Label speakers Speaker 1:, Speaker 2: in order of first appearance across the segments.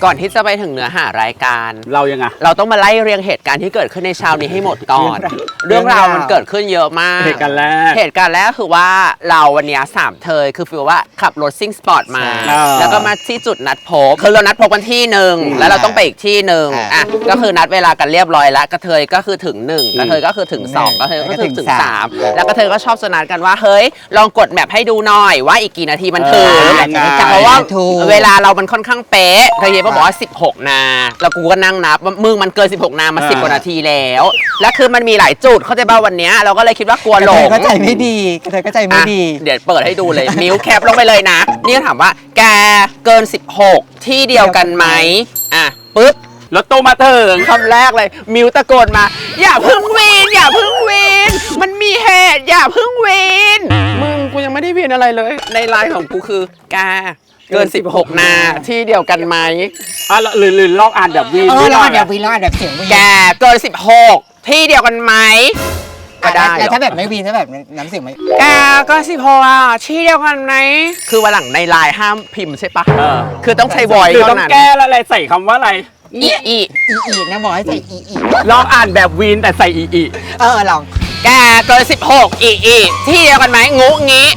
Speaker 1: ก่อนที่จะไปถึงเนื้อหารายการ
Speaker 2: เรายังไง
Speaker 1: เราต้องมาไล่เรียงเหตุการณ์ที่เกิดขึ้นในเช้านี้ให้หมดก่อนเรื่องราวมันเกิดขึ้นเยอะมาก
Speaker 2: เหตุการณ์แรก
Speaker 1: คือว่าเราวันนี้3เทยคือฟีลว่าขับรถซิ่งสปอร์ตมาแล้วก็มาที่จุดนัดพบคือเรานัดพบกันที่หนึ่งแล้วเราต้องไปอีกที่หนึ่งอ่ะก็คือนัดเวลากันเรียบร้อยแล้วกระเทยก็คือถึง1กระเทยก็คือถึง2กระเทยก็คือถึง3แล้วกระเทยก็ชอบสนัดกันว่าเฮ้ยลองกดแมพให้ดูหน่อยว่าอีกกี่นาทีมันถึงเพราะว่าเวลาเรามันค่อนข้างเป๊ะเคยเห็นบอกว่า16 นาแล้วกูก็นั่งนับมึงมันเกิน16 นามา10 กว่านาทีแล้วคือมันมีหลายจุดเข้าใจป่ะวันนี้เราก็เลยคิดว่ากลัวหลง
Speaker 3: เข้าใจไม่ดีเข้าใจไม่ดี
Speaker 1: เดี๋ยวเปิดให้ดูเลยนิ้วแคปลงไปเลยนะนี่ถามว่าแกเกิน16ที่เดียวกันไหมอ่ะปึ๊บ
Speaker 2: รถตู้มาถึง
Speaker 1: คำแรกเลยมิวตะโกนมาอย่าพึ่งวีนอย่าพึ่งวีนมันมีเหตุอย่าพึ่งวีนมึงกูยังไม่ได้วีนอะไรเลยในไลน์ของกูคือแกเกิน16 นาที่เดียวกันไหม
Speaker 2: หรือลอกอ่านแบบวีน
Speaker 3: ลอกอ่านแบบวีนลอกอ่านแบบเสียงวีน
Speaker 1: แกเกิน16ที่เดียวกันไหมก็ได้
Speaker 3: แต่ถ้าแบบไม่วีนถ้าแบบน้ำเสียงไม่
Speaker 1: แกก็16อ่ะที่เดียวกันไหมคือวันหลังในไลน์ห้ามพิมพ์ใช่ปะคือต้องใช้วอย
Speaker 2: ซ์ต้องแก้แล้วอะไรใส่คำว่าอะไร
Speaker 3: อีนะบอกให้ใส่อี
Speaker 2: ลองอ่านแบบวีนแต่ใส่อี
Speaker 3: ลอง
Speaker 1: แกเกิน16อีที่เดียวกันไหมงูงี้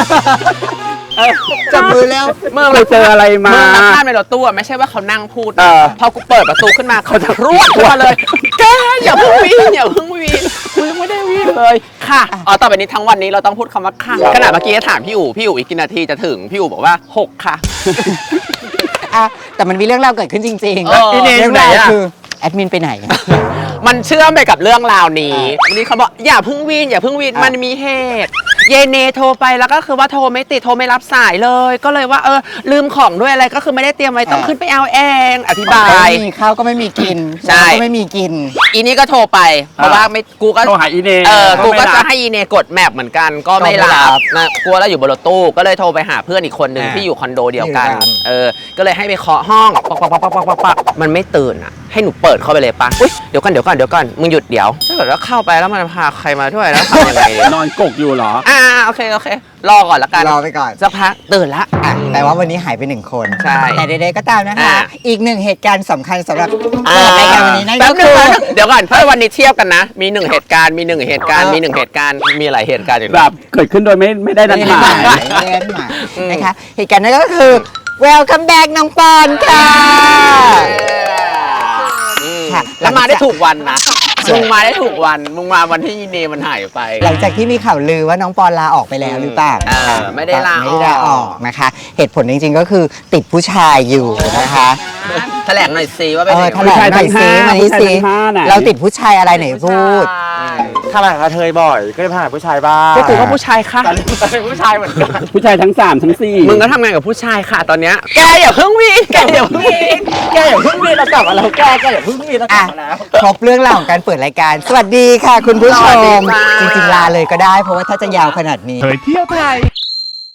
Speaker 3: จับมือแล้ว
Speaker 1: เมื่อ
Speaker 2: เราเจออะไรมา
Speaker 1: นักภาพในรถตู้ไม่ใช่ว่าเขานั่งพูดพอกูเปิดประตูขึ้นมาเขาจะรวดมาเลยแกอย่าเพิ่งวีนอย่าเพิ่งวีนกูยังไม่ได้วีนเลยค่ะต่อไปนี้ทั้งวันนี้เราต้องพูดคำว่าค่ะขณะเมื่อกี้ถามพี่อู๋อีกกี่นาทีจะถึงพี่อู๋บอกว่า6ค่ะ
Speaker 3: แต่มันมีเรื่องราวเกิดขึ้นจริงๆ
Speaker 1: เรื่องราว
Speaker 3: คือแอดมินไปไหน
Speaker 1: มันเชื่อมไปกับเรื่องราวนี้วันนี้เขาบอกอย่าพึ่งวีนมันมีเหตุเยเนโทรไปแล้วก็คือว่าโทรไม่ติดโทรไม่รับสายเลยก็เลยว่าลืมของด้วยอะไรก็คือไม่ได้เตรียมไว้ต้องขึ้นไปเอาเองอธิบาย
Speaker 3: มีข้าวก็ไม่มีกินก็ไม่มีกิน
Speaker 1: อีนี่ก็โทรไปเพราะว่าไม่กูก็
Speaker 2: โทรหาอีเน
Speaker 1: กูก็จะให้อีเนกดแมปเหมือนกันก็ไม่รับนะกลัวแล้วอยู่บนรถตู้ก็เลยโทรไปหาเพื่อนอีกคนหนึ่งที่อยู่คอนโดเดียวกันก็เลยให้ไปเคาะห้องปักมันไม่ตื่นอ่ะให้หนูเปิดเข้าไปเลยปะอุ้ยเดี๋ยวก่อนมึงหยุดเดี๋ยวถ้าเกิดว่าเข้าไปแล้วมันพาใครมาด้วยแล้วทำยังไง
Speaker 2: นอนกกอยู่เหรอ
Speaker 1: โอเครอก่อนละกัน
Speaker 3: รอไปก่อน
Speaker 1: สักพักตื่นละ
Speaker 3: แปลว่าวันนี้หายไป1 คน
Speaker 1: ใช่
Speaker 3: แต่ใดๆก็ตามนะคะอีก1เหตุการณ์สำคัญสำหรับรายการวันนี้นั่นก็
Speaker 1: คือเดี๋ยวก่อนถ้าวันนี้เทียบกันนะมี1เหตุการณ์มี1เหตุการณ์มี1เหตุการณ์มีหลายเหตุการณ์อยู่
Speaker 2: แบบเกิดขึ้นโดยไม่ได้นัดหมาย
Speaker 3: นะคะเหตุการณ์นั้นก็คือ Welcome back น้องปอนค่ะ
Speaker 1: แล้วมาได้ถูกวันนะมึงมาได้ถูกวันมึงมาวันที่ยีเนมันหายไป
Speaker 3: หลังจากที่มีข่าวลือว่าน้องปอนลาออกไปแล้วหรือเปล่า
Speaker 1: ไม่ได้ลา
Speaker 3: ออกนะคะเหตุผลจริงๆก็คือติดผู้ชายอยู่นะคะ
Speaker 1: แถลงหน่อยซิว่าเป็น
Speaker 3: แถลงหน่อยซิมานี่ซิเราติดผู้ชายอะไรไหนพูด
Speaker 4: ถ้าหากระเทยบ่อยก็จะผ่านผู้ชายบ้าง
Speaker 1: ก็กูก็ผู้ชายค่ะผู้ชายเหมือนกัน
Speaker 2: ผู้ชายทั้ง3ทั้ง4
Speaker 1: มึงก็ทำงานกับผู้ชายค่ะตอนเนี้ยแกอย่าเพิ่งวีนเรากลับมาแล้วแกอย่าเพิ่งวีนเรากลับมาแล้ว
Speaker 3: ครบเรื่องราวของการเปิดรายการสวัสดีค่ะคุณผู้ชมจริงๆลาเลยก็ได้เพราะว่าถ้าจะยาวขนาดนี้
Speaker 2: เผยเที่ยวไทย